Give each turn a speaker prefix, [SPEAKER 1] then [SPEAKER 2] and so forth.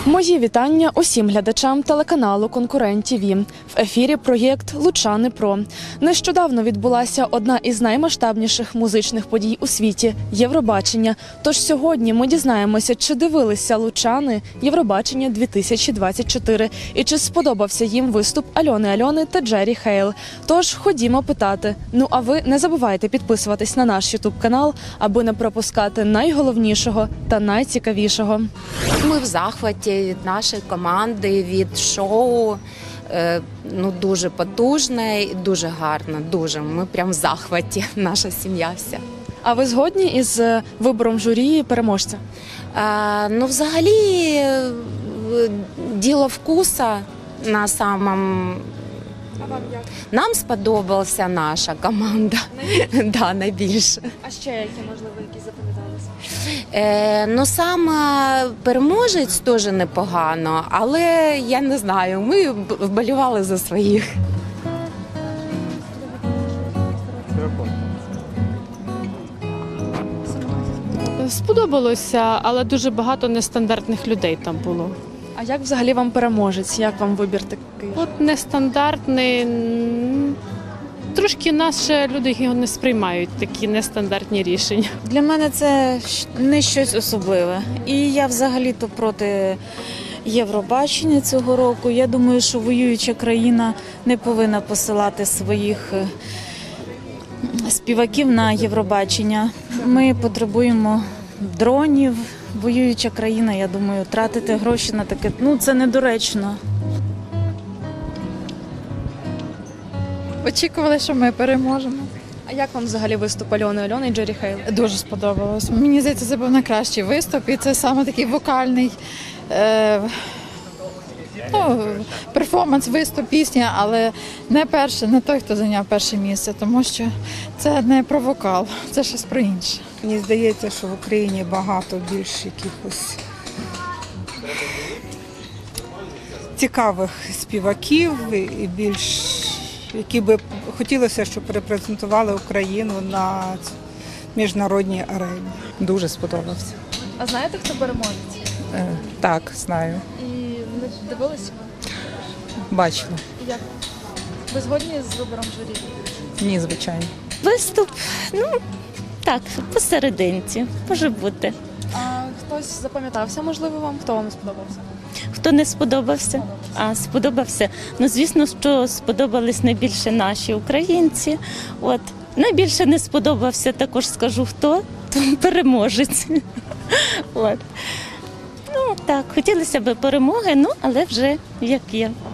[SPEAKER 1] Мої вітання усім глядачам телеканалу «Конкурент ТІВІ». В ефірі проєкт «Лучани Про». Нещодавно відбулася одна із наймасштабніших музичних подій у світі – Євробачення. Тож сьогодні ми дізнаємося, чи дивилися лучани Євробачення 2024 і чи сподобався їм виступ Альони Альони та Джері Хейл. Тож ходімо питати. Ну а ви не забувайте підписуватись на наш ютуб-канал, аби не пропускати найголовнішого та найцікавішого.
[SPEAKER 2] Ми в захваті від нашої команди, від шоу. Дуже потужне і дуже гарно, дуже. Ми прям в захваті, наша сім'я вся.
[SPEAKER 1] А ви згодні із вибором журі переможця?
[SPEAKER 2] Взагалі, діло вкуса на самом...
[SPEAKER 1] А вам як?
[SPEAKER 2] Нам сподобалася наша команда. Да, найбільше.
[SPEAKER 1] А ще які, можливо, які запам'яталися?
[SPEAKER 2] Саме переможець теж непогано, але я не знаю, ми вболівали за своїх.
[SPEAKER 3] Сподобалося, але дуже багато нестандартних людей там було.
[SPEAKER 1] А як взагалі вам переможець? Як вам вибір такий?
[SPEAKER 3] От нестандартний, трошки наші люди його не сприймають, такі нестандартні рішення.
[SPEAKER 4] Для мене це не щось особливе. І я взагалі-то проти Євробачення цього року. Я думаю, що воююча країна не повинна посилати своїх співаків на Євробачення. Ми потребуємо дронів. Воююча країна, я думаю, тратити гроші на таке, це недоречно.
[SPEAKER 5] Очікували, що ми переможемо.
[SPEAKER 1] А як вам взагалі виступ Альони Альони і Джері Хейл?
[SPEAKER 5] Дуже сподобалось. Мені здається, це був найкращий виступ, і це саме такий вокальний перформанс, виступ, пісня, але не перший, не той, хто зайняв перше місце, тому що це не про вокал, це щось про інше.
[SPEAKER 6] Мені здається, що в Україні багато більш якихось цікавих співаків і більш, які би хотілося, щоб репрезентували Україну на міжнародній арені.
[SPEAKER 7] Дуже сподобався.
[SPEAKER 1] А знаєте, хто переможець?
[SPEAKER 7] Так, знаю.
[SPEAKER 1] І не дивилися?
[SPEAKER 7] Бачила.
[SPEAKER 1] Як? Ви згодні з вибором журі?
[SPEAKER 7] Ні, звичайно.
[SPEAKER 8] Виступ, так, посерединці, може бути.
[SPEAKER 1] А хтось запам'ятався, можливо, вам? Хто вам сподобався?
[SPEAKER 8] Хто не сподобався? Сподобався. Звісно, що сподобались найбільше наші українці. Найбільше не сподобався, також скажу хто, то переможець. Так, хотілося б перемоги, але вже як є.